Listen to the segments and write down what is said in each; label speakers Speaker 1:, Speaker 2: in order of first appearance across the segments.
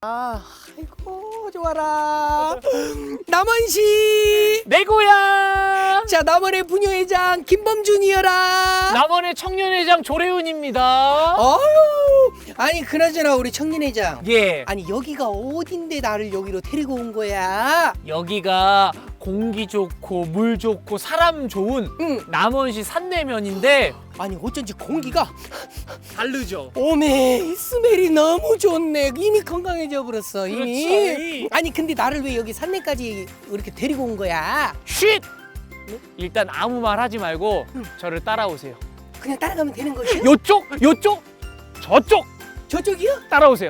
Speaker 1: 아이고 좋아라. 남원시
Speaker 2: 내 고향
Speaker 1: 자 남원의 부녀회장 김범준이여라.
Speaker 2: 남원의 청년회장 조래훈입니다.
Speaker 1: 아니 그나저나 우리 청년회장,
Speaker 2: 예,
Speaker 1: 아니 여기가 어딘데 나를 여기로 데리고 온 거야?
Speaker 2: 여기가 공기 좋고 물 좋고 사람 좋은
Speaker 1: 응.
Speaker 2: 남원시 산내면인데
Speaker 1: 아니 어쩐지 공기가
Speaker 2: 다르죠.
Speaker 1: 오메 스멜이 너무 좋네. 이미 건강해져 버렸어 이미.
Speaker 2: 그렇지.
Speaker 1: 아니 근데 나를 왜 여기 산내까지 이렇게 데리고 온 거야?
Speaker 2: 쉿! 일단 아무 말 하지 말고
Speaker 1: 응.
Speaker 2: 저를 따라오세요.
Speaker 1: 그냥 따라가면 되는 거지?
Speaker 2: 요쪽, 요쪽, 저쪽
Speaker 1: 저쪽이요?
Speaker 2: 따라오세요.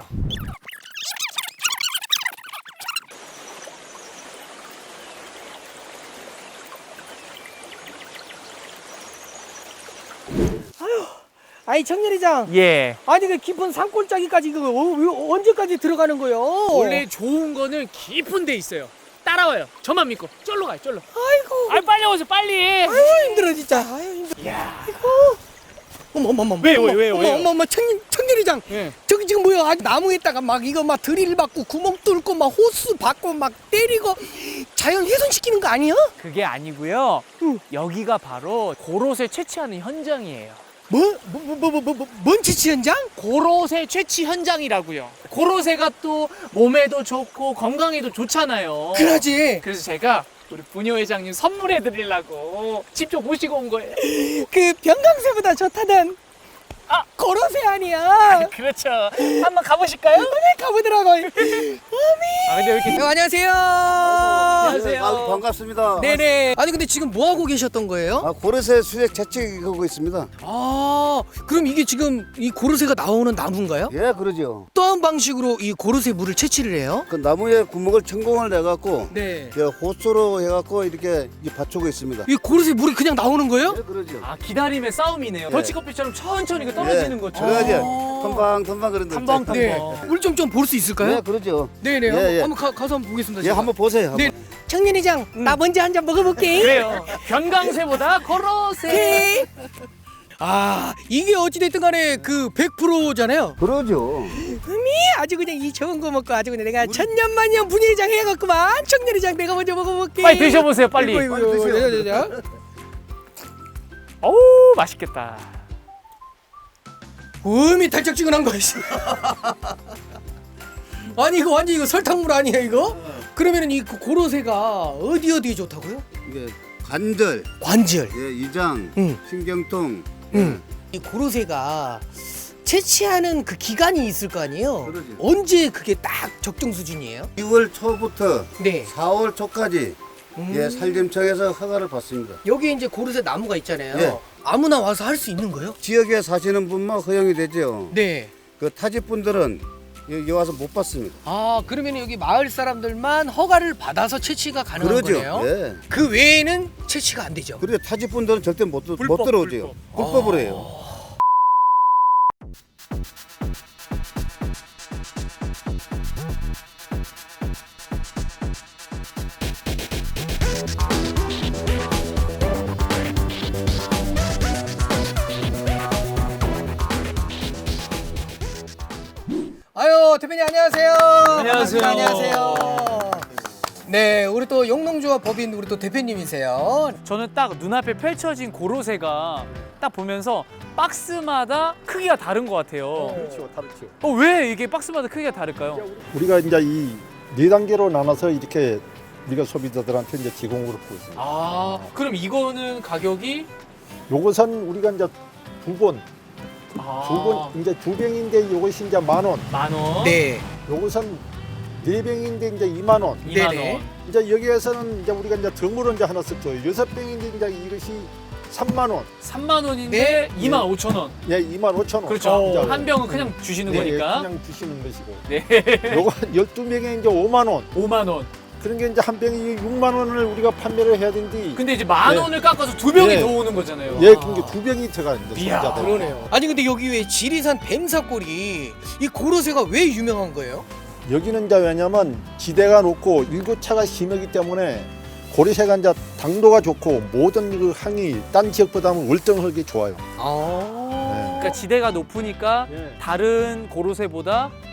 Speaker 1: 아니 청년회장,
Speaker 2: 예.
Speaker 1: 아니 그 깊은 산골짜기까지 언제까지 들어가는 거요?
Speaker 2: 원래 좋은 거는 깊은 데 있어요. 따라와요. 저만 믿고. 쫄로 가요, 쫄로.
Speaker 1: 아이고
Speaker 2: 아, 빨리 오세요, 빨리.
Speaker 1: 아유 힘들어 진짜. 아유 힘들어.
Speaker 2: 야.
Speaker 1: 어머
Speaker 2: 왜요?
Speaker 1: 어머 청년회장,
Speaker 2: 예.
Speaker 1: 저기 지금 뭐야? 아직 나무에다가 막 이거 막 드릴 받고 구멍 뚫고 막 호스 받고 막 때리고 자연 훼손시키는 거 아니야?
Speaker 2: 그게 아니고요.
Speaker 1: 응.
Speaker 2: 여기가 바로 고로쇠 채취하는 현장이에요.
Speaker 1: 뭔 지치 현장?
Speaker 2: 고로쇠 채취 현장이라고요. 고로쇠가 또 몸에도 좋고 건강에도 좋잖아요.
Speaker 1: 그러지.
Speaker 2: 그래서 제가 우리 부녀 회장님 선물해 드리려고 직접 모시고 온 거예요.
Speaker 1: 그 병강세보다 좋다던 고로쇠 아니야?
Speaker 2: 그렇죠. 한번 가보실까요?
Speaker 1: 가보더라고.
Speaker 2: 아, 근데 왜 이렇게
Speaker 1: 안녕하세요.
Speaker 2: 안녕하세요.
Speaker 3: 아유, 반갑습니다.
Speaker 1: 네네. 아니 근데 지금 뭐 하고 계셨던 거예요?
Speaker 3: 고래새 수액 채취하고 있습니다.
Speaker 1: 그럼 이게 지금 이 고로쇠가 나오는 나무인가요?
Speaker 3: 예, 그러죠.
Speaker 1: 어떠한 방식으로 이 고로쇠 물을 채취를 해요?
Speaker 3: 그 나무에 구멍을 천공을 내갖고
Speaker 1: 네.
Speaker 3: 호수로 해갖고 이렇게 받치고 있습니다.
Speaker 1: 이 고로쇠 물이 그냥 나오는 거예요?
Speaker 3: 예, 그러죠.
Speaker 2: 아, 기다림의 싸움이네요.
Speaker 3: 예.
Speaker 2: 더치커피처럼 천천히 그 떨어지는 것처럼.
Speaker 3: 그래야지.
Speaker 1: 아.
Speaker 3: 텀방텀방 그런데.
Speaker 2: 텀방.
Speaker 1: 네. 물 좀 볼 수 있을까요?
Speaker 3: 예, 그러죠.
Speaker 1: 네네.
Speaker 3: 예, 예.
Speaker 1: 한번 가서 한번 보겠습니다.
Speaker 3: 예,
Speaker 1: 제가.
Speaker 3: 한번 보세요. 한번.
Speaker 1: 네. 청년회장, 나 먼저 한 잔 먹어볼게.
Speaker 2: 그래요. 변강쇠보다 고로쇠.
Speaker 1: 오케이. 이게 어찌됐든 간에 그 100%잖아요.
Speaker 3: 그러죠.
Speaker 1: 아주 그냥 이 좋은 거 먹고 아주 그냥 내가 천년만년 분회장 해갖구만. 청년회장 내가 먼저 먹어볼게.
Speaker 2: 빨리 드셔보세요, 빨리.
Speaker 1: 이거,
Speaker 3: 빨리 드세요.
Speaker 1: 자.
Speaker 2: 어우, 맛있겠다.
Speaker 1: 음이 달짝지근한 거 있어. 아니 이거 완전 이거 설탕물 아니야 이거? 그러면은 이 고로쇠가 어디에 좋다고요?
Speaker 3: 이게 관절,
Speaker 1: 관절.
Speaker 3: 예, 이장,
Speaker 1: 응.
Speaker 3: 신경통.
Speaker 1: 이 고로쇠가 채취하는 그 기간이 있을 거 아니에요?
Speaker 3: 그러지.
Speaker 1: 언제 그게 딱 적정 수준이에요?
Speaker 3: 6월 초부터
Speaker 1: 네.
Speaker 3: 4월 초까지 예, 산림청에서 허가를 받습니다.
Speaker 1: 여기 이제 고로쇠 나무가 있잖아요.
Speaker 3: 예.
Speaker 1: 아무나 와서 할 수 있는 거예요?
Speaker 3: 지역에 사시는 분만 허용이 되죠.
Speaker 1: 네.
Speaker 3: 그 타지 분들은 여기 와서 못 받습니다.
Speaker 1: 그러면 여기 마을 사람들만 허가를 받아서 채취가 가능한
Speaker 3: 그러죠.
Speaker 1: 거네요?
Speaker 3: 예.
Speaker 1: 그 외에는 채취가 안 되죠?
Speaker 3: 그리고 타지 분들은 절대 못
Speaker 2: 불법,
Speaker 3: 들어오죠. 불법으로 해요.
Speaker 1: 아유 대표님 안녕하세요.
Speaker 2: 안녕하세요.
Speaker 1: 반갑습니다. 안녕하세요. 네, 우리 또 영농조합 법인 우리 또 대표님이세요.
Speaker 2: 저는 딱 눈앞에 펼쳐진 고로쇠가 딱 보면서 박스마다 크기가 다른 것 같아요.
Speaker 4: 그렇죠, 다르죠.
Speaker 2: 왜 이게 박스마다 크기가 다를까요?
Speaker 4: 우리가 이제 이 네 단계로 나눠서 이렇게 우리가 소비자들한테 이제 제공을 하고 있습니다.
Speaker 2: 그럼 이거는 가격이
Speaker 4: 요것은 우리가 이제 두 번 이제 두 병인데 요것이 이제 10,000원.
Speaker 2: 10,000원.
Speaker 1: 네.
Speaker 4: 요것은 네 병인데 이제 20,000원.
Speaker 2: 2만
Speaker 1: 네네.
Speaker 2: 원.
Speaker 4: 이제 여기에서는 이제 우리가 이제 덤으로 이제 하나 썼죠. 6병인데 이제 이것이 30,000원.
Speaker 2: 3만 원인데
Speaker 1: 네.
Speaker 2: 25,000원.
Speaker 4: 예, 25,000원.
Speaker 2: 그렇죠.
Speaker 4: 이제
Speaker 2: 한 병은 그냥 주시는
Speaker 4: 네,
Speaker 2: 거니까.
Speaker 4: 그냥 주시는 것이고.
Speaker 2: 네.
Speaker 4: 요거 12병에 이제 5만원.
Speaker 2: 5만 원.
Speaker 4: 그런 게 이제 한 병이 6만원을 우리가 판매를 해야 되는데.
Speaker 2: 근데 이제 10,000원을 깎아서 두 병이
Speaker 4: 네.
Speaker 2: 더 오는 거잖아요.
Speaker 4: 예, 그게 두 병이 들어가 있는데.
Speaker 2: 이야,
Speaker 4: 소비자들.
Speaker 1: 그러네요. 아니 근데 여기 왜 지리산 뱀사골이 이 고로쇠가 왜 유명한 거예요?
Speaker 4: 여기는 이제 왜냐면 지대가 높고 일교차가 심하기 때문에 고리새가 이제 당도가 좋고 모든 그 항이 딴 지역보다는 월등하게 좋아요.
Speaker 1: 아.
Speaker 2: 그러니까 지대가 높으니까
Speaker 4: 예.
Speaker 2: 다른 고로쇠보다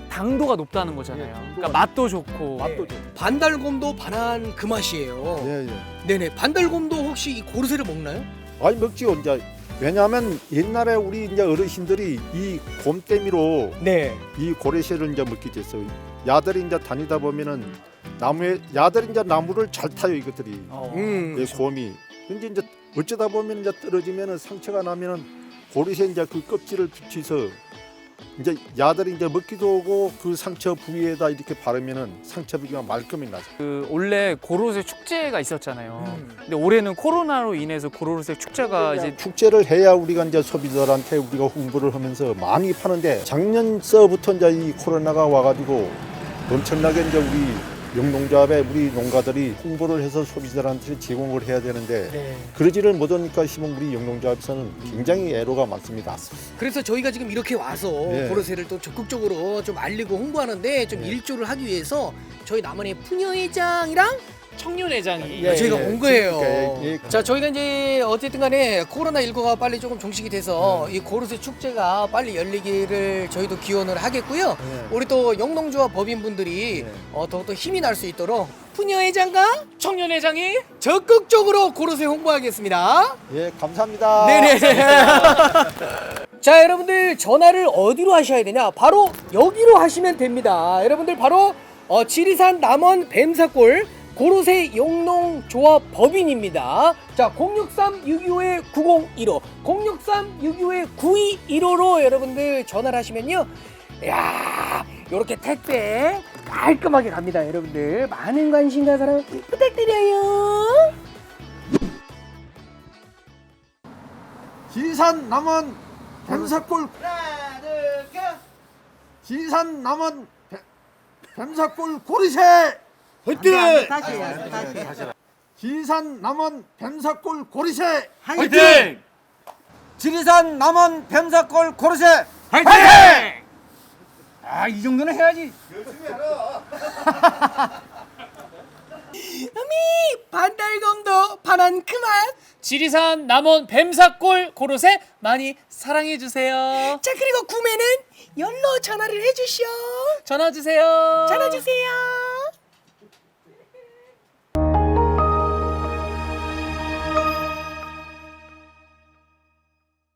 Speaker 2: 당도가 높다는 거잖아요.
Speaker 4: 예, 당도가
Speaker 2: 그러니까 맛도 좋고.
Speaker 4: 맛도 좋고.
Speaker 1: 반달곰도 반한 그 맛이에요.
Speaker 4: 예, 예.
Speaker 1: 네네. 반달곰도 혹시 이 고르쇠를 먹나요?
Speaker 4: 아니 먹지요 이제. 왜냐하면 옛날에 우리 이제 어르신들이 이 곰때미로
Speaker 1: 네.
Speaker 4: 이 고래새를 이제 먹게 됐어요. 야들이 이제 다니다 보면은 나무에 야들이 이제 나무를 잘 타요 이것들이. 이 곰이. 근데 이제 어쩌다 보면 이제 떨어지면은 상처가 나면은 고래새 이제 그 껍질을 붙여서 이제 야들이 이제 먹기도 하고 그 상처 부위에다 이렇게 바르면은 상처 부위가 말끔히 나죠.
Speaker 2: 그 원래 고로쇠 축제가 있었잖아요. 근데 올해는 코로나로 인해서 고로쇠 축제가 이제
Speaker 4: 축제를 해야 우리가 이제 소비자들한테 우리가 홍보를 하면서 많이 파는데 작년서부터 이제 이 코로나가 와가지고 엄청나게 이제 우리 영농조합에 우리 농가들이 홍보를 해서 소비자들한테 제공을 해야 되는데
Speaker 1: 네.
Speaker 4: 그러지를 못하니까 지금 우리 영농조합에서는 굉장히 애로가 많습니다.
Speaker 1: 그래서 저희가 지금 이렇게 와서
Speaker 4: 네.
Speaker 1: 고로쇠를 또 적극적으로 좀 알리고 홍보하는데 좀 일조를 하기 위해서 저희 남원의 푸녀회장이랑
Speaker 2: 청년회장이
Speaker 4: 예,
Speaker 1: 저희가
Speaker 4: 예.
Speaker 1: 온 거예요.
Speaker 4: 그러니까 예.
Speaker 1: 자, 저희가 이제 어쨌든 간에 코로나19가 빨리 조금 종식이 돼서 이 고로쇠 축제가 빨리 열리기를 저희도 기원을 하겠고요.
Speaker 4: 네.
Speaker 1: 우리 또 영농조합 법인분들이
Speaker 4: 네.
Speaker 1: 더욱더 힘이 날 수 있도록 푸녀회장과
Speaker 2: 청년회장이
Speaker 1: 적극적으로 고로쇠 홍보하겠습니다.
Speaker 4: 예, 감사합니다.
Speaker 1: 네네. 자, 여러분들 전화를 어디로 하셔야 되냐? 바로 여기로 하시면 됩니다. 여러분들 바로 지리산 남원 뱀사골 고로쇠 영농조합 법인입니다. 자, 063-625-9015, 063-625-9215로 여러분들 전화를 하시면요. 야, 요렇게 택배 깔끔하게 갑니다. 여러분들 많은 관심과 사랑 부탁드려요.
Speaker 4: 지리산 남원 뱀사골 하나 둘셋 지리산 남원 뱀사골 고리새 화이팅!
Speaker 5: 다시.
Speaker 4: 지리산 남원 뱀사골 고리새
Speaker 2: 화이팅!
Speaker 5: 지리산 남원 뱀사골 고르쇠
Speaker 2: 화이팅!
Speaker 5: 아, 이 정도는 해야지.
Speaker 1: 반달곰도 반한 그 맛.
Speaker 2: 지리산 남원 뱀사골 고로쇠 많이 사랑해 주세요.
Speaker 1: 자, 그리고 구매는 연로 전화를 해주시오.
Speaker 2: 전화 주세요.
Speaker 1: 전화 주세요.